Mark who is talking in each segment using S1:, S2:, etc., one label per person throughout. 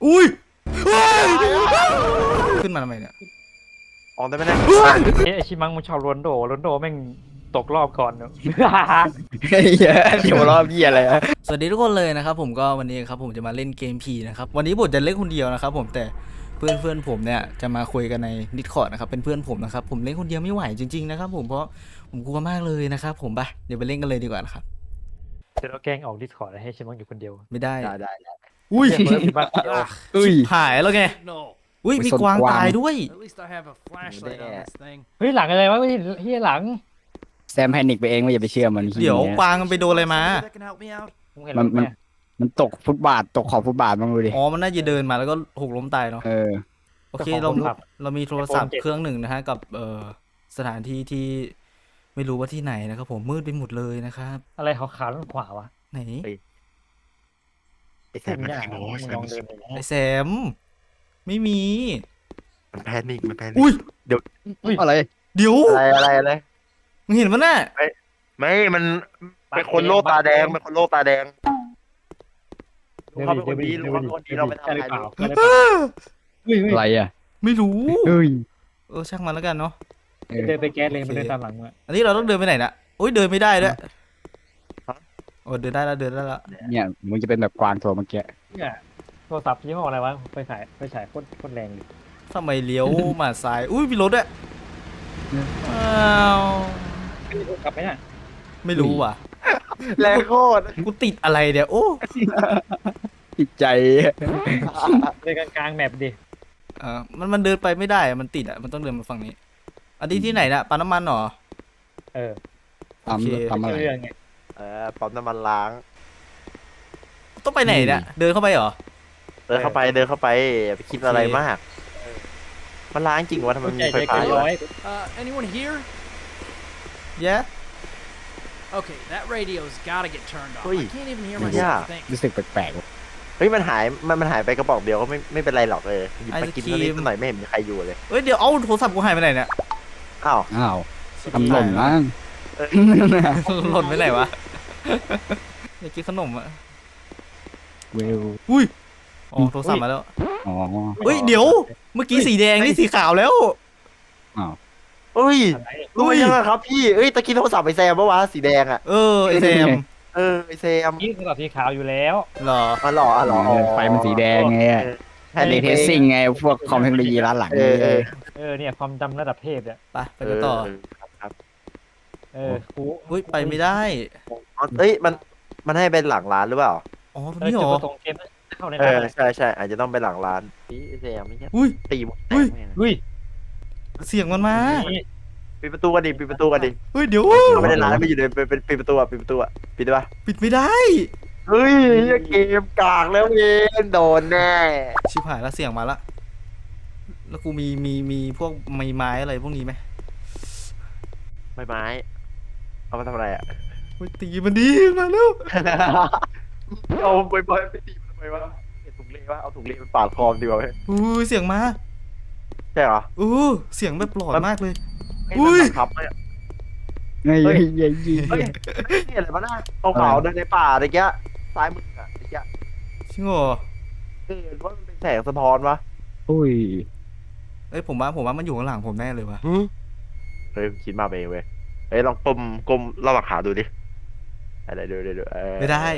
S1: อุ้ยขึ้นมาทำไมเนี่ย
S2: ออกได้ไหมเนี่ย
S3: ไอชิมังมันชอบโรนโดแม่งตกรอบก่อนเนอะ
S4: เฮ้ยเดี๋ยวรอบยี่อะไรอะ
S1: สวัสดีทุกคนเลยนะครับผมก็วันนี้ครับผมจะมาเล่นเกมผีนะครับวันนี้ผมจะเล่นคนเดียวนะครับผมแต่เพื่อนผมเนี่ยจะมาคุยกันใน Discord นะครับเป็นเพื่อนผมนะครับผมเล่นคนเดียวไม่ไหวจริงๆนะครับผมเพราะผมกลัวมากเลยนะครับผมไปเดี๋ยวไปเล่นกันเลยดีกว่านะครับ
S3: เดี๋ยวเราแกล้งออกดิสคอร์ดให้ชิมังอยู่คนเดียว
S1: ไม่ได้
S4: ได้
S1: อุ้ย
S3: เดี๋ยวชิมังเดียว
S4: อุ้ย
S1: หายแล้วไง
S5: No.
S1: อุ้ยมีกวางตายด้วย
S5: At least I have a flashlight on this thing.
S3: เฮ้ยหลังอะไรวะไม่ใช่เฮียหลัง
S4: แซมแพนิกไปเองไม่อย่าไปเชื่อมัน
S1: เดี๋ยวกวางมันไปโดนอะไรมา
S5: Somebody that can help me out?
S3: มึงเห็นหลังไหม
S4: มันตกฟุตบาทตกขอบฟุตบาทบ้างดูดิ
S1: อ๋อมันน่าจะเดินมาแล้วก็หกล้มตายเนาะ
S4: เออ
S1: โอเคเรามีโทรศัพท์เครื่องหนึ่งนะฮะกับสถานที่ที่ไม่รู้ว่าที่ไหนนะครับผมมืดไปหมดเลยนะครับ
S3: อะไรขาวๆด้านขวาวะ
S1: ไหน
S2: ไอ้แซมมัน
S3: ยาก
S2: ขี้โม้
S3: มึง
S2: แซ
S3: ล
S2: ม
S3: องเดินไปนะ
S1: ไอแซมไม่มี
S2: มันแพนิคมันแพนิค
S1: อุ้ย
S4: อะไร
S1: เดี๋ยว
S2: อะไร
S1: มึงเห็นมันน่ะ
S2: ไม่มันเป็นคนโลกตาแดงเป็นคนโลกตาแดงเขาเป็นคนดีรู้เขาเป็นคนดีเราไปทำ
S3: ใช่ห
S2: อะ
S3: รือ
S2: ไร
S3: เปล่า
S2: รู้
S3: ใช่หรือเปล่าเฮ้ย
S4: อะไรอ่ะ
S1: ไม่รู้
S4: เฮ้ย
S1: ช่างมันแล้วกันเนาะ
S3: เดินไปแก๊สเลยมันเดินตามหลังมา
S1: อันนี้เราต้องเดินไปไหนน่ะอุ้ยเดินไม่ได้ด้วยโอ้เดินได้แล้ว
S4: เนี่ยมึงจะเป็นแบบกวางตัวเมื่อกี้
S3: เนี่ยโทรศัพท์ยี่ห้ออะไรวะไปฉายโคตรแรงดิ
S1: ทำไมเลี้ยวมาซ้ายอุ้ยมีรถด้วยอ้าว
S3: กลับไหมน่ะ
S1: ไม่รู้ว่ะ
S2: แรงโคตร
S1: กูติดอะไรเนี่ยโอ้
S4: จิตใจ
S3: เดินกลางแมปดิ
S1: มันเดินไปไม่ได้อะมันติดอ่ะมันต้องเดินมาฝั่งนี้อันนี้ที่ไหนน่ะปั๊มน้ำมันเหรอ
S3: เออ
S4: ทำอะไร
S3: เรื่องไง
S2: ปั๊มน้ำมันล้าง
S1: ต้องไปไหนเนี่ยเดินเข้าไปเหรอ
S2: เดินเข้าไปอย่าไปคิดอะไรมากมันล้างจริงวะทำไมมีไฟ
S3: ใจ
S2: ฟ้า
S3: เกิน
S2: อยู่
S3: ร้อย
S5: Anyone here?
S1: แย่
S5: Okay, that radio's gotta get turned off.
S2: Ui.
S5: I can't even hear
S2: Yeah.
S5: myself think.
S4: รู้สึกแปลก
S2: เฮ้ยมันหายไปกระบอกเดียวก็ไม่เป็นไรหรอกเลยหยิบไปกินเท่านี้เท่าไหร่ไม่เห็นมีใครอยู่เลย
S1: เอ้ยเดี๋ยวเอาโทรศัพท์กูหายไปไหนเนี่ย
S2: อ้าว
S4: อ้าวทำหล่นมั้ง
S1: หล่นไปไหนวะอยากกินขนมอ่ะ
S4: เวล
S1: อุ้ยอ๋อโทรศัพท์มาแล้ว
S4: อ๋อ
S1: เฮ้ยเดี๋ยวเมื่อกี้สีแดงนี่สีขาวแล้ว
S2: เฮ้ย
S3: อะไร
S2: รู้ยังไงครับพี่เอ้ยตะกี้โทรศัพท์ไอแซมปะวะสีแดงอ่ะ
S1: ไอแซม
S2: ไอแซม
S3: นี่คือแบบสีขาวอยู่แล้ว
S1: เหรอ
S2: อ๋อเหรอ
S4: ไฟมันสีแดงไงแพนิกเทสซิ่งไงพวกคอมเทคโนโลยีร้านหลัง
S3: เนี่ยความจำระดับเทพเนี่ย
S1: ไปกันต่อ
S2: ครับ
S3: กู
S1: อุ้ยไปไม่ได้
S2: เอ้ยมันให้เป็นหลังร้านหรือเปล่า
S1: อ๋อตรงนี้เหร
S3: จุด
S1: อ
S3: ประสงค์เกมเข้าในร้าน
S2: ใช่อาจจะต้องเป็นหลังร้านพี่ไอแซมไม่ใช่
S1: อุ้ย
S2: ตีหมดแต
S1: อุ้ย
S2: กแม่ง
S3: เฮ้ย
S1: เสียงมันมา
S2: ปิดประตูกันดิ
S1: เฮ้ยเดี๋ยว
S2: เขาไม่ได้ร้านไม่อยู่เลยเป็นปิดประตูปิดได้ปะ
S1: ปิดไม่ได้
S2: เฮ้ยเกมกากแล้วเองโดนแน่
S1: ชิบหายแล้วเสียงมาละแล้วกูมีพวกไม้อะไรพวกนี้ไหม
S2: ไม้เอามาทำอะไรอ่ะ
S1: เฮ้ยตีมันดีมาแล้ว
S2: เอาไปตีมันทำไมวะถุงเล่วะเอาถุงเล่ไปปาดคอดีกว่าไหม
S1: อุ้ยเสียงมา
S2: ใช่เหรอ
S1: เสียงแบบหลอนมากเลย
S2: อุ้ยครับ
S4: เฮ้ย
S2: เฮ้ย
S4: เฮ้ย
S2: เฮ้ยนี่อะไรวะน่ะขาวๆเดินในป่าอะไรเงี้ยซ้ายมืออ่ะอะไรเงี้ย
S1: จริงเหรอ
S2: ว่ามันเป็นแสงสะท้อนวะ
S4: อุ้ย
S1: เอ้ยผมว่ามันอยู่ข้างหลังผมแน่เลยวะ
S2: เฮ้ยคิดมาเองเว้ยเฮ้ยลองกลมระหว่างขาดูดิอะไรดู
S1: ไม่ได้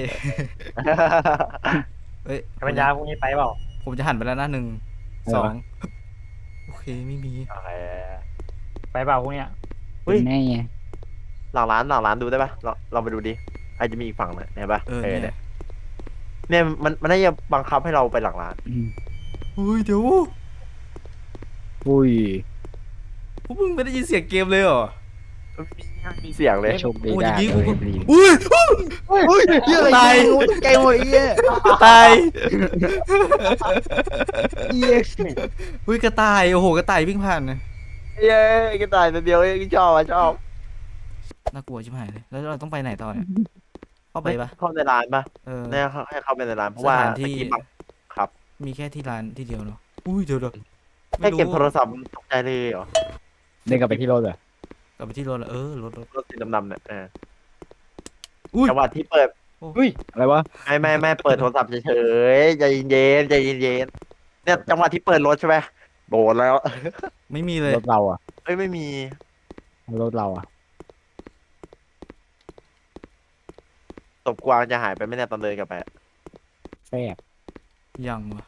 S1: เอ้ย
S3: ปัญญาพวกนี้ไปเปล่า
S1: ผมจะหันไปแล้วนะ1 2โอเคไม่มี
S2: โอเค
S3: ไปเปล่าพวกเนี้ย
S2: เฮ้ย
S4: แน่ไง
S2: หลังร้านดูได้ปะเราไปดูดิอาจจะมีอีกฝั่งนะเห็นปะ
S1: เนี่ย
S2: เนี่ยมันน่าจะบังคับให้เราไปหลังร้าน
S1: อุ้ยเดี๋ยว
S4: อุ้ย
S1: พวกมึงไม่ได้ยินเสียงเกมเลยเหรอ
S2: มีเสียงเลย
S4: โชคดี
S1: โอ้ย
S4: ได้
S1: อย่างงี้
S4: เล
S1: กู
S4: ยดี
S1: อุ้ย
S4: อุ้ยเยอะเลย
S1: ตาย
S4: ไกลหมดไอ้เหี้ย
S1: ตาย
S4: เหี้ย
S1: อุ้ยกระต่ายโอ้โหกระต่ายวิ่งผ่านนะ
S2: เย้กระต่ายตัวเดียวเองชอบ
S1: น่ากลัวชิบหายเลยแล้วเราต้องไปไหนต่อเนี่ยเข้าไปปะ
S2: เข้าในร้านปะ
S1: เนี่ย
S2: ให้เข้าไปในร้านเพราะว่า
S1: สถานที่
S2: ตะกี้บังครับ
S1: มีแค่ที่ร้านที่เดียวเนาะอุ้ยเดี๋ยว
S2: แค่เก็บโทรศัพท์ตกใจเลยเหรอ
S4: เดินกลับไปที่รถเหรอก
S1: ลับไปที่รถแล้วรถ
S2: รถสีดำๆเนี่ย
S1: อุ้ย
S2: จังหวะที่เปิด
S4: อุ้ยอะไรวะ
S2: ไม่เปิดโทรศัพท์เฉยๆใจเย็นๆใจเย็นๆเนี่ยจังหวะที่เปิดรถใช่ไหมโดนแล้ว
S1: ไม่มีเลย
S4: รถเราอ่ะ
S2: เอ้ยไม่มี
S4: รถเราอ่ะ
S2: ศพกวางจะหายไปไหม่แน่ยตอนเดินกลับไปอะ
S4: แซ่บ
S1: ยังวะ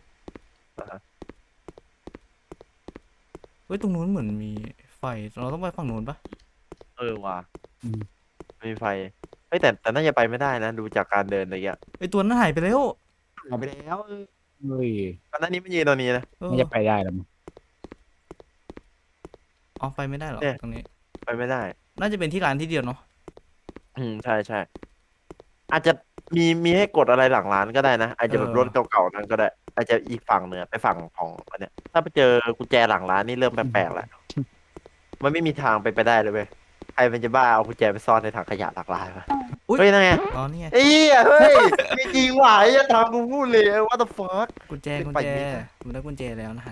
S1: เฮ้ยตรงนู้นเหมือนมีไฟเราต้องไปฝั่งนู้นปะ
S2: เออว่ะไม่มีไฟเฮ้ยแต่น่าจะไปไม่ได้นะดูจากการเดินอะไรเงี้ย
S1: ไอตัวนั้นหายไปแล้ว
S2: หายไปแล้ว
S4: เฮ้ย
S2: ตอนนั้นนี้มันยืนตรงนี้นะ
S1: เออ
S4: ไม่จะไปได้หรอมั้ง
S1: อ๋อไปไม่ได้หรอ
S2: เนี่ย
S1: ตรงนี้
S2: ไปไม่ได้
S1: น่าจะเป็นที่ร้านที่เดียวเนาะ
S2: ใช่อาจจะมีให้กดอะไรหลังร้านก็ได้นะอาจจะแบบรถเก่าๆนั้นก็ได้ อาจจะอีกฝั่งเนื้อไปฝั่งของอันเนี้ยถ้าไปเจอกุญแจหลังร้านนี่เริ่มแปลกๆแล้วมันไม่มีทางไปได้เลยเว้ยใครมันจะบ้าเอากุญแจไปซ่อนในถังขยะหลักร้านวะเฮ้ยนั่นไง
S1: อ๋อนี่ไง
S2: เอ้ยเฮ้ยไม่จริงว่ะไอ้ทางกูพูดเลย what the fuck
S1: กุญแจ
S2: เป็น
S1: กุญ
S2: ไป
S1: แจ
S2: ไม่ได้
S1: ผมได้กุญแจแล้วนะฮะ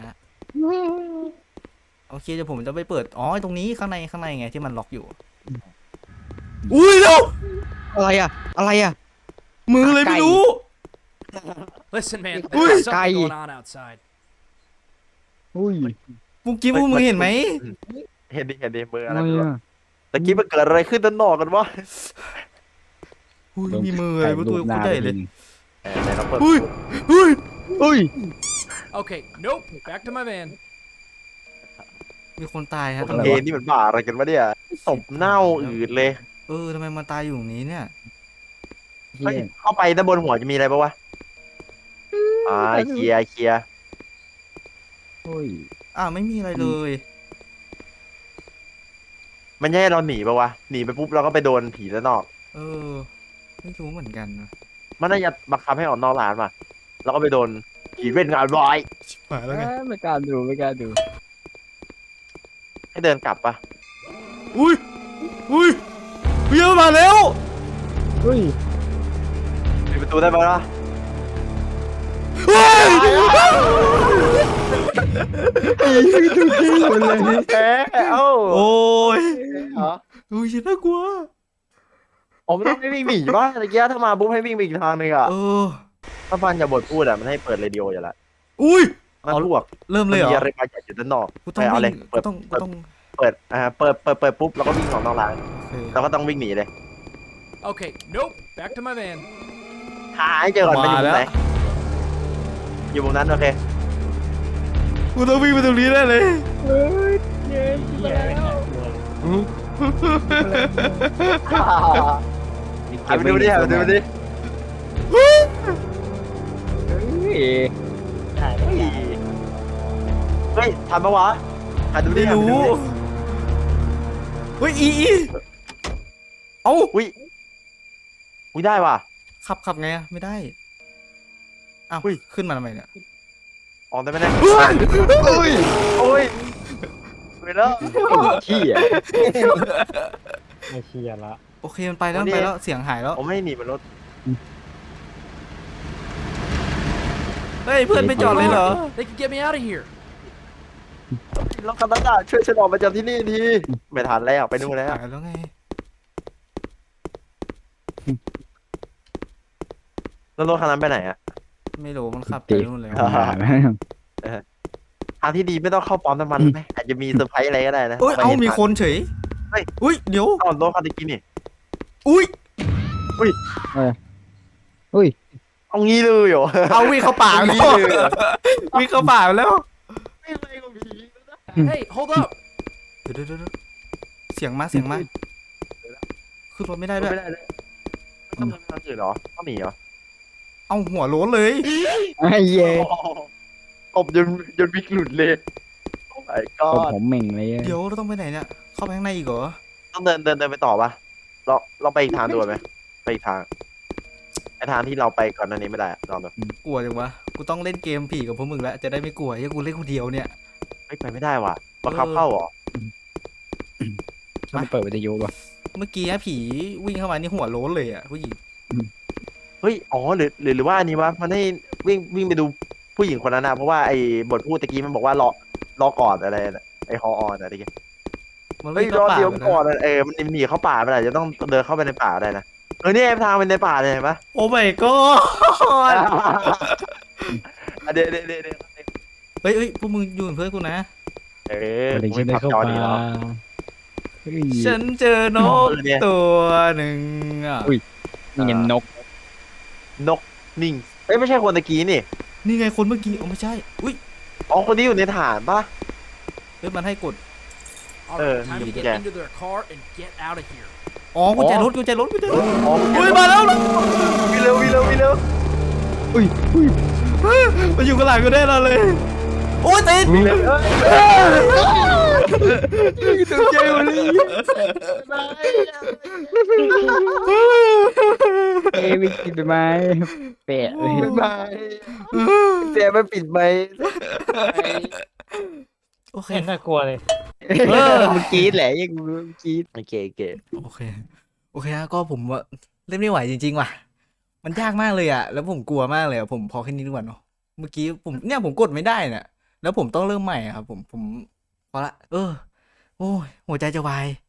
S1: โอเคเดี๋ยวผมจะไปเปิดอ๋อตรงนี้ข้างในไงที่มันล็อกอยู่อุ้ยเร็ว
S4: อะไรอ่ะอะไรอ่ะ
S1: มือเลยไม่รู้
S5: Listen, man,
S4: Ui.
S5: there's something
S4: Cay.
S5: going on outside.
S4: อุ้ย
S1: เมื่อกี้พวกมึงเห็นไหม
S2: เห็นดิมือ
S4: อะ
S2: อะไร
S4: ไร
S2: ไม่รู้
S4: อ่ะ
S2: ตะกี้มันเกิดอะไรขึ้นด้านนอกกันวะ
S1: อุ้ยมีมือเลยพวกตัวกูใหญ่เลย
S2: ไหนเราเปิด
S1: อุ้ยอุ้ย
S4: อุ้ย
S5: Okay, nope. Back to my van.
S1: มีคนตายฮะ
S2: โอเคนี่มันบ้าอะไรกันวะเนี่ยศพเน่าอืดเลย
S1: เออทำไมมันตายอยู่ตรงนี้เนี่ย
S4: เฮี
S2: เฮ้ย
S4: ย
S2: เข้าไปด้านบนหัวจะมีอะไรปะวะเคลียร์
S4: อุ้ย
S1: ไม่มีอะไรเลย
S2: มันจะให้เราหนีปะวะหนีไปปุ๊บเราก็ไปโดนผีด้านนอก
S1: เออไม่รู้เหมือนกันนะ
S2: มันน่าจะบังคับให้ออกนอกร้านว่ะแล้วก็ไปโดนผีเล่นงานบอย
S1: มาแล้วไง
S4: ไม่กล้าดูไม่กล้าดู
S2: ให้เดินกลับปะ
S1: อุ้ยเบี้ยมาแล้ว
S4: อุ้ย
S2: ปิดประตูได้ปะล่ะ
S1: เฮ้ย
S4: ดูจริงหมดเลย
S2: แพ้เอ้า
S1: โอ้ย
S2: เหรอ
S1: อุ้ยฉันน่ากลัว
S2: ผมไม่ต้องให้วิ่งหนีป่ะตะกี้ถ้ามาปุ๊บให้วิ่งไปอีกทางหนึงอ่ะ
S1: เออ
S2: ถ้าฟันอย่าบ่นพูดอ่ะมันให้เปิดเรดิโออยู่ละ
S1: อุ้ย
S2: มันพวก
S1: เริ่ม
S2: มั
S1: เลยเหร
S2: มี
S1: อ
S2: อะไรบางอย่างอยู่ด้านนอก
S1: กูต้อง
S2: เอา
S1: วิ่
S2: เลย
S1: ง
S2: เปิ
S1: กู
S2: ด
S1: ต้อง
S2: เปิดปุ๊บแล้วก็วิ่งออกนอกร้าน
S1: โอเค
S2: แล้วก็ต้องวิ่งหนีเลย
S5: Okay, nope. Back to my van.
S2: หาให้เจอก่อนมันอยู่
S1: มา
S2: มุ
S1: แล้
S2: ม
S1: ว
S2: ไหนอยู่มุมนั้นโอเค
S1: กูต้องวิ่งไปตรงนี้ได้เลย
S2: หาไปดูดิหาไปดูดิ
S4: เฮ้ย
S2: เฮ้ยทันปะวะหาดูดิ
S1: ไม่
S2: หาไปดู
S1: รู้
S2: ดิ
S1: เฮ้ยอีเอ้า
S2: อุ้ยได้ว่ะ
S1: ขับไงอะไม่ได้อ้าว
S2: อุ้ย
S1: ขึ้นมาทำไมเนี่ย
S2: ออกได้ไหมเนี่ย
S4: โอ้ย
S2: โอ้ยไปแล้ว
S4: เฮีย
S3: ไม่เชียร์ละ
S1: โอเคมันไปแล้วมันไปแล้วเสียงหายแล้ว
S2: ผมไม่ให้หนีบนรถ
S1: เฮ้ยเพื่อนไม่จอดเลยเหรอ
S5: They can get me out of here.
S2: รถคันนั้นอะช่วยฉันออกมาจากที่นี่ทีไม่ทันแล้วไปนู่นแล้ว
S1: หายแล้วไง
S2: แล้วรถคันนั้นไปไหนอะ
S1: ไม่รู้มันขับไป
S4: ตี
S1: นู่นเลย
S2: ทางที่ดีไม่ต้องเข้าปั๊มน้ำมันไหมอาจจะมีเซอร์ไพรส์อะไรก็ได้นะ
S1: เอ้ย เอามีคนเฉย
S2: เฮ้ย
S1: อุ้ยเดี๋ยว
S2: เอารถคันตะกี้นี่
S1: อุ้ย
S4: อุ้ย
S2: เอางี้เลยเหรอ
S1: เอาวิ่งเข้าป่า
S2: เอา
S1: แล้ว
S2: งี้เลยเหรอ
S1: วิ่งเข้าป่าแล้ว
S2: ไม่อะไรกับผี
S5: Hey, hold up.
S1: เดี๋ยวเสียงมาขึ้นรถไม่ได้ด้วย
S2: ไม่ได้เลยต้องทำทางอื่นเหรอต้องหนีเหรอ
S1: เอาหัวโล้นเลย
S4: ไอ้เย่
S2: ตบจนวิกหลุดเลยโอ้ my
S4: ผม
S2: god
S4: ผมเหม่งเลย
S1: เดี๋ยวเราต้องไปไหนเนี่ย เข้าไปข้างในอีกเหรอ
S2: ต้องเดินไปต่อปะเราไปอีกทางด่วนไหมไปอีกทางไอทางที่เราไปก่อนหน้านี้ไม่ได้อะลองดู
S1: กลัวจังวะ กูต้องเล่นเกมผีกับพวกมึงแล้ว จะได้ไม่กลัวยังกูเล่นคนเดียวเนี่ย
S2: เฮ้ยไปไม่ได้ว่ะบังคับเข้าเหรอ
S4: ต้องเปิดวิทยุป่ะ
S1: เมื่อกี้ผีวิ่งเข้ามานี่หัวโล้นเลยอ่ะผู้หญิง
S2: เฮ้ยอ๋อหรือว่าอันนี้วะมันให้วิ่งไปดูผู้หญิงคนนั้นนะเพราะว่าไอ้บทพูดตะกี้มันบอกว่ารอก่อนอะไรนะไอ้ฮอออนอะไรเงี้ย
S1: มัน
S2: เฮ้ย
S1: วิ่ง
S2: รอ
S1: เข้าป่า
S2: เดียว
S1: ไป
S2: ก่อน
S1: นะ
S2: มันหนีเข้าป่าไปไหนจะต้องเดินเข้าไปในป่าได้นะเนี่ยทางเป็นในป่าเลยเห็นปะ
S1: โอ้ my god
S2: เดี๋ยว
S1: เฮ้ยพวกมึงอยู่เป็นเพื่อนกูนะ
S2: เออ
S4: อะไร
S2: กู
S4: ชื่
S2: ไม่
S4: อ
S2: พับจอดีแล้ว
S4: เฮ้ย
S1: ฉันเจอนก
S2: เนี่ย
S1: ตัวหนึ่งอ่ะ
S4: อุ้ย นี่ไงนก
S2: นกนิ่งเอ้ยไม่ใช่คนตะกี้นี่
S1: นี่ไงคนเมื่อกี้ไม่ใช่อุ้ย
S2: อ๋อคนนี้อยู่ในฐานปะ
S1: เฮ้ยมันให้กด
S5: Alright, time to
S2: yeah.
S5: get into their car and get out of here.
S1: อ๋อกุญแจรถ
S2: อ๋อ
S1: อุ้ยมาแล้ว
S2: วิ่งเร็ว
S4: อุ้ย
S1: มันอยู่ข้างหลังกูแน่นอนเลยโอ้ยติด
S2: วิ่งเร็ว
S4: ตกใจหมดเลยเอ้ยไม่กินไปไหมเปะเลย
S2: บายเสียไม่ปิดไหม
S1: โอเค
S3: เห็นน่ากลัวเลย
S4: มึงกรีดแหละยังมึงกรีด
S2: โอเค
S1: โอเคฮะก็ผมว่าเล่นไม่ไหวจริงๆว่ะมันยากมากเลยอ่ะแล้วผมกลัวมากเลยอะผมพอแค่นี้ดีกว่าเนาะเมื่อกี้ผมกดไม่ได้เนี่ยแล้วผมต้องเริ่มใหม่อะครับผมพอละโอ้ยหัวใจจะวาย